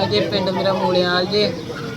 ਜੇ ਪਿੰਡ ਮੇਰਾ ਮੂਲਿਆਲ ਜੇ।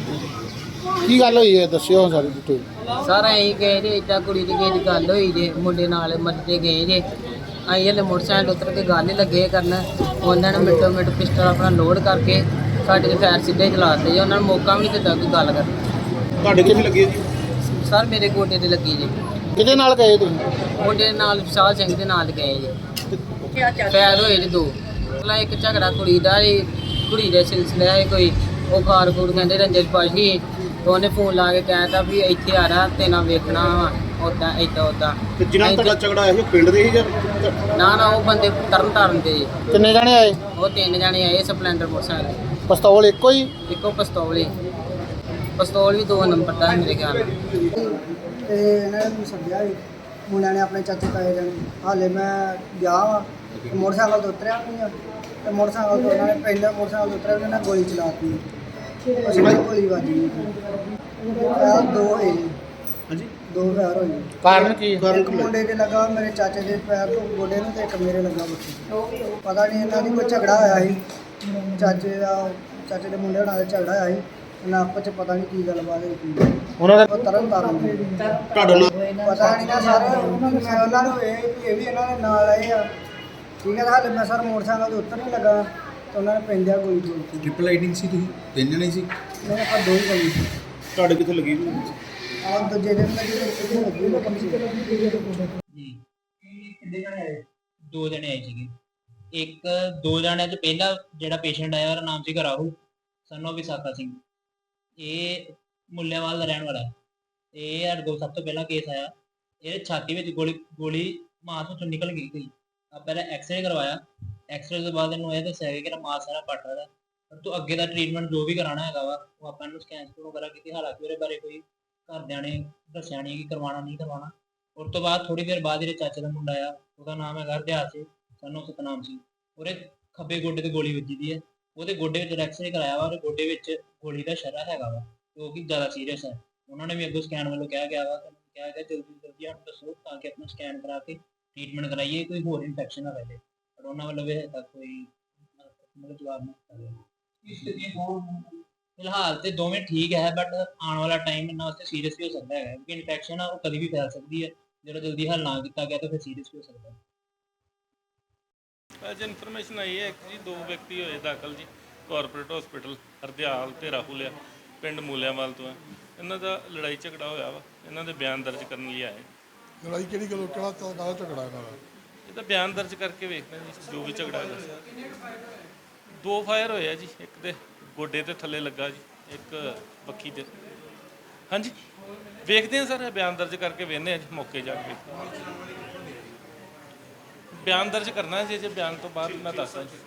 ਕੀ ਗੱਲ ਹੋਈ ਹੈ ਦੱਸਿਓ ਸਾਰੀ ਡਿਟੇਲ। ਸਰ ਅਸੀਂ ਗਏ ਜੇ ਇੱਦਾਂ ਕੁੜੀ ਦੀ ਕਿਸੇ ਦੀ ਗੱਲ ਹੋਈ ਜੇ, ਮੁੰਡੇ ਨਾਲ ਮੱਤੇ ਗਏ ਜੇ। ਅਸੀਂ ਹਲੇ ਮੋਟਰਸਾਈਕਲ ਉਤਰ ਕੇ ਗੱਲ ਹੀ ਲੱਗੇ ਕਰਨ, ਉਹਨਾਂ ਨੇ ਮਿੰਟੋ ਮਿੰਟ ਪਿਸਟਲ ਆਪਣਾ ਲੋਡ ਕਰਕੇ ਸਾਡੇ ਦੇ ਫੈਰ ਸਿੱਧੇ ਚਲਾਤੇ ਜੀ। ਉਹਨਾਂ ਨੂੰ ਮੌਕਾ ਵੀ ਨਹੀਂ ਦਿੱਤਾ ਕੋਈ ਗੱਲ ਕਰਨ। ਤੁਹਾਡੇ ਕਿੱਥੇ ਲੱਗੀ ਜੀ? ਸਰ ਮੇਰੇ ਗੋਡੇ ਤੇ ਲੱਗੀ ਜੀ। ਕਿਹਦੇ ਨਾਲ ਗਏ ਤੁਸੀਂ? ਮੁੰਡੇ ਦੇ ਨਾਲ ਵਿਸ਼ਾਲ ਸਿੰਘ ਦੇ ਨਾਲ ਗਏ ਜੀ। ਫੈਰ ਹੋਏ ਜੀ 2। ਪਹਿਲਾਂ ਇੱਕ ਝਗੜਾ ਕੁੜੀ ਦਾ ਜੀ, ਕੁੜੀ ਦੇ ਸਿਲਸਿਲੇ ਹੈ ਕੋਈ, ਉਹ ਖਾਰ ਖੂਰ ਕਹਿੰਦੇ ਰੰਜਨ ਪਾਸ਼ੀ। ਤੇ ਉਹਨੇ ਫੋਨ ਲਾ ਕੇ ਕਹਿਤਾ ਵੀ ਇੱਥੇ ਆ ਰਿਹਾ ਤੇ ਨਾ ਵੇਖਣਾ ਵਾ ਉੱਦਾਂ ਇੱਦਾਂ ਉੱਦਾਂ। ਤੇ ਜਿਨ੍ਹਾਂ ਤੁਹਾਡਾ ਝਗੜਾ ਹੋਇਆ ਸੀ ਪਿੰਡ ਦੇ ਹੀ ਜਾਂ? ਨਾ ਉਹ ਬੰਦੇ ਤਰਨ ਤਾਰਨ ਦੇ ਜੀ। ਕਿੰਨੇ ਜਾਣੇ ਆਏ? ਉਹ 3 ਜਣੇ ਆਏ ਸਪਲੈਂਡਰ ਮੋਟਰਸਾਈਕਲ। ਪਿਸਤੌਲ ਇੱਕੋ ਹੀ? ਇੱਕੋ ਪਿਸਤੌਲ ਹੀ। ਪਿਸਤੌਲ ਵੀ 2 ਨੰਬਰ ਦਾ ਮੇਰੇ ਖਿਆਲ ਨਾਲ। ਤੇ ਇਹਨਾਂ ਨੇ ਮੈਨੂੰ ਸੱਦਿਆ ਸੀ ਮੁੰਡਿਆਂ ਨੇ, ਆਪਣੇ ਚਾਚੇ ਤਾਏ ਜਾਣੇ। ਹਾਲੇ ਮੈਂ ਗਿਆ ਵਾ, ਮੋਟਰਸਾਈਕਲ ਤੋਂ ਉਤਰਿਆ ਨਹੀਂ ਆ, ਤੇ ਮੋਟਰਸਾਈਕਲ ਤੋਂ ਉਹਨਾਂ ਨੇ ਪਹਿਲਾਂ ਮੋਟਰਸਾਈਕਲ ਤੋਂ ਉਤਰਿਆ ਉਹਨਾਂ ਨੇ ਗੋਲੀ ਚਲਾਤੀ। ਅਸੀਂ ਗੋਲੀ ਵੱਜੀ ਫੈਰ 2 ਹੋਏ ਜੀ। ਹਾਂਜੀ 2 ਫੈਰ ਹੋਏ। ਕਾਰਨ ਕੀ? ਇੱਕ ਮੁੰਡੇ ਦੇ ਲੱਗਾ ਮੇਰੇ ਚਾਚੇ ਦੇ ਪੈਰ ਤੋਂ ਗੋਡੇ ਨੂੰ, ਤੇ ਇੱਕ ਮੇਰੇ ਲੱਗਾ ਬੱਚੇ। ਪਤਾ ਨਹੀਂ ਇਹਨਾਂ ਦੀ ਕੋਈ ਝਗੜਾ ਹੋਇਆ ਸੀ, ਚਾਚੇ ਦੇ ਮੁੰਡੇ ਹੋਣਾ ਦਾ ਝਗੜਾ ਹੋਇਆ ਸੀ। ਇਹਨਾਂ ਆਪਸ 'ਚ ਪਤਾ ਨਹੀਂ ਕੀ ਗੱਲਬਾਤ ਹੋਈ। ਉਹਨਾਂ ਦਾ ਉਹ ਤਰਨ ਤਾਰਨ ਦੇ ਤੁਹਾਡਾ ਨਾਮ? ਪਤਾ ਨਹੀਂ ਨਾ ਸਰ, ਮੈਂ ਉਹਨਾਂ ਨੂੰ ਇਹ ਵੀ ਇਹਨਾਂ ਦੇ ਨਾਲ ਆਏ ਆ। ਠੀਕ ਹੈ, ਹਾਲੇ ਮੈਂ ਸਰ ਮੋਟਰਸਾਈਕਲ ਤੋਂ ਉੱਤਰ ਨਹੀਂ ਲੱਗਾ ਤੇ ਉਹਨਾਂ ਨੇ ਪੈਂਦਿਆਂ ਗੋਲੀ ਚੋਲਤੀ। ਟ੍ਰਿਪਲ ਰਾਈਡਿੰਗ ਸੀ, ਤੁਸੀਂ 3 ਜਣੇ ਸੀ? ਮੇਰੇ ਆਪਾਂ 2 ਹੀ ਗੋਲੀ ਸੀ। ਤੁਹਾਡੇ ਕਿੱਥੇ ਲੱਗੀ ਜੀ? ਆਹ ਦੂਜੇ ਦਿਨ ਲੱਗੀ ਤੇ ਕਿੱਥੇ ਲੱਗੀ ਨਾ ਕਮ ਸੀ। ਜੀ ਕਿੰਨੇ ਜਣੇ ਆਏ? 2 ਜਣੇ ਆਏ ਸੀਗੇ। 2 ਜਣਿਆਂ ਚ ਪਹਿਲਾ ਜਿਹੜਾ ਪੇਸ਼ੈਂਟ ਆਇਆ ਉਹਦਾ ਨਾਮ ਸੀਗਾ ਰਾਹੁਲ ਸਾਨੂੰ ਵਿਸਾਖਾ ਸਿੰਘ। ਇਹ ਮੁੱਲਿਆਂਵਾਲ ਦਾ ਰਹਿਣ ਵਾਲਾ ਹੈ। ਇਹ ਸਾਡੇ ਕੋਲ ਸਭ ਤੋਂ ਪਹਿਲਾਂ ਕੇਸ ਆਇਆ। ਇਹਦੇ ਛਾਤੀ ਵਿੱਚ ਗੋਲੀ ਮਾਸ ਵਿੱਚੋਂ ਨਿਕਲ ਗਈ। ਪਹਿਲਾਂ ਐਕਸਰੇ ਕਰਵਾਇਆ। ਐਕਸਰੇ ਤੋਂ ਬਾਅਦ ਇਹਨੂੰ ਇਹ ਦੱਸਿਆ ਗਿਆ ਕਿ ਮਾਸ ਸਾਰਾ ਪੱਟ ਰਿਹਾ। ਪਰ ਤੂੰ ਅੱਗੇ ਦਾ ਟ੍ਰੀਟਮੈਂਟ ਜੋ ਵੀ ਕਰਾਉਣਾ ਹੈਗਾ ਵਾ ਉਹ ਆਪਾਂ ਨੂੰ ਸਕੈਨ ਵਗੈਰਾ ਕੀਤੀ। ਹਾਲਾਂਕਿ ਉਹਦੇ ਬਾਰੇ ਕੋਈ ਘਰਦਿਆਂ ਨੇ ਦੱਸਿਆ ਨਹੀਂ ਕਿ ਕਰਵਾਉਣਾ ਨਹੀਂ ਕਰਵਾਉਣਾ। ਉਸ ਤੋਂ ਬਾਅਦ ਥੋੜੀ ਦੇਰ ਬਾਅਦ ਇਹਦੇ ਚਾਚੇ ਦਾ ਮੁੰਡਾ ਆਇਆ, ਉਹਦਾ ਨਾਮ ਹੈਗਾ ਹਰਦਿਆਲ ਸਿੰਘ ਸਾਨੂੰ ਸਤਨਾਮ ਸਿੰਘ। ਉਹਦੇ ਖੱਬੇ ਗੋਡੇ ਤੇ ਗੋਲੀ ਵੱਜੀ ਦੀ ਹੈ। ਉਹਦੇ ਗੋਡੇ ਵਿੱਚ ਐਕਸਰੇ ਕਰਾਇਆ ਵਾ, ਉਹਦੇ ਗੋਡੇ ਵਿੱਚ ਗੋਲੀ ਦਾ ਸ਼ਰਾ ਹੈਗਾ ਵਾ, ਜੋ ਕਿ ਜ਼ਿਆਦਾ ਸੀਰੀਅਸ ਹੈ। ਉਹਨਾਂ ਨੇ ਵੀ ਅੱਗੋਂ ਸਕੈਨ ਵੱਲੋਂ ਕਿਹਾ ਗਿਆ ਵਾ, ਕਿਹਾ ਗਿਆ ਜਲਦੀ ਸਾਨੂੰ ਦੱਸੋ ਤਾਂ ਕਿ ਆਪਣਾ ਸਕੈਨ ਕਰਾ ਕੇ ਟ੍ਰੀਟਮੈਂਟ ਕਰਾਈਏ, ਕੋਈ ਹੋਰ ਇਨਫੈਕਸ਼ਨ ਨਾ ਰਹੇ। ਪਰ ਉਹਨਾਂ ਵੱਲੋਂ ਵੀ ਹਜੇ ਤੱਕ ਕੋਈ ਜਵਾਬ ਨਹੀਂ ਦਿੱਤਾ। ਫਿਲਹਾਲ ਤੇ ਦੋਵੇਂ ਠੀਕ ਹੈ, ਬਟ ਆਉਣ ਵਾਲਾ ਟਾਈਮ ਇਹਨਾਂ ਵਾਸਤੇ ਸੀਰੀਅਸ ਵੀ ਹੋ ਸਕਦਾ ਹੈ, ਕਿਉਂਕਿ ਇਨਫੈਕਸ਼ਨ ਆ ਉਹ ਕਦੀ ਵੀ ਫੈਲ ਸਕਦੀ ਹੈ। ਜਦੋਂ ਜਲਦੀ ਹੱਲ ਨਾ ਕੀਤਾ ਗਿਆ ਤਾਂ ਫਿਰ ਸੀਰੀਅਸ ਵੀ ਹੋ ਸਕਦਾ ਹੈ। ਅੱਜ ਇਨਫੋਰਮੇਸ਼ਨ ਆਈ ਹੈ ਜੀ 2 ਵਿਅਕਤੀ ਹੋਏ ਦਾਖਲ ਜੀ ਕਾਰਪੋਰੇਟ ਹਸਪੀਟਲ ਹਰਦਿਆਲ ਤੇ ਰਾਹੁਲ ਆ, ਪਿੰਡ ਮੂਲਿਆਂਵਾਲ ਤੋਂ ਆ। ਇਹਨਾਂ ਦਾ ਲੜਾਈ ਝਗੜਾ ਹੋਇਆ ਵਾ, ਇਹਨਾਂ ਦੇ ਬਿਆਨ ਦਰਜ ਕਰਨ ਲਈ ਆਏ। ਲੜਾਈ ਕਿਹੜੀ ਗੱਲੋਂ, ਕਿਹੜਾ ਝਗੜਾ ਇਹਨਾਂ ਦਾ? ਇਹਦਾ ਬਿਆਨ ਦਰਜ ਕਰਕੇ ਵੇਖਦੇ ਜੀ ਜੋ ਵੀ ਝਗੜਾ ਹੋਇਆ। 2 ਫਾਇਰ ਹੋਏ ਆ ਜੀ, ਇੱਕ ਦੇ ਗੋਡੇ ਤੇ ਥੱਲੇ ਲੱਗਾ ਜੀ, ਇੱਕ ਬੱਖੀ ਤੇ। ਹਾਂਜੀ ਵੇਖਦੇ ਆ ਸਰ, ਬਿਆਨ ਦਰਜ ਕਰਕੇ ਵੇਖਦੇ ਆ ਜੀ, ਮੌਕੇ ਜਾ ਕੇ ਬਿਆਨ ਦਰਜ ਕਰਨਾ ਜੀ। ਜੇ ਬਿਆਨ ਤੋਂ ਬਾਅਦ ਮੈਂ ਦੱਸਦਾ ਜੀ।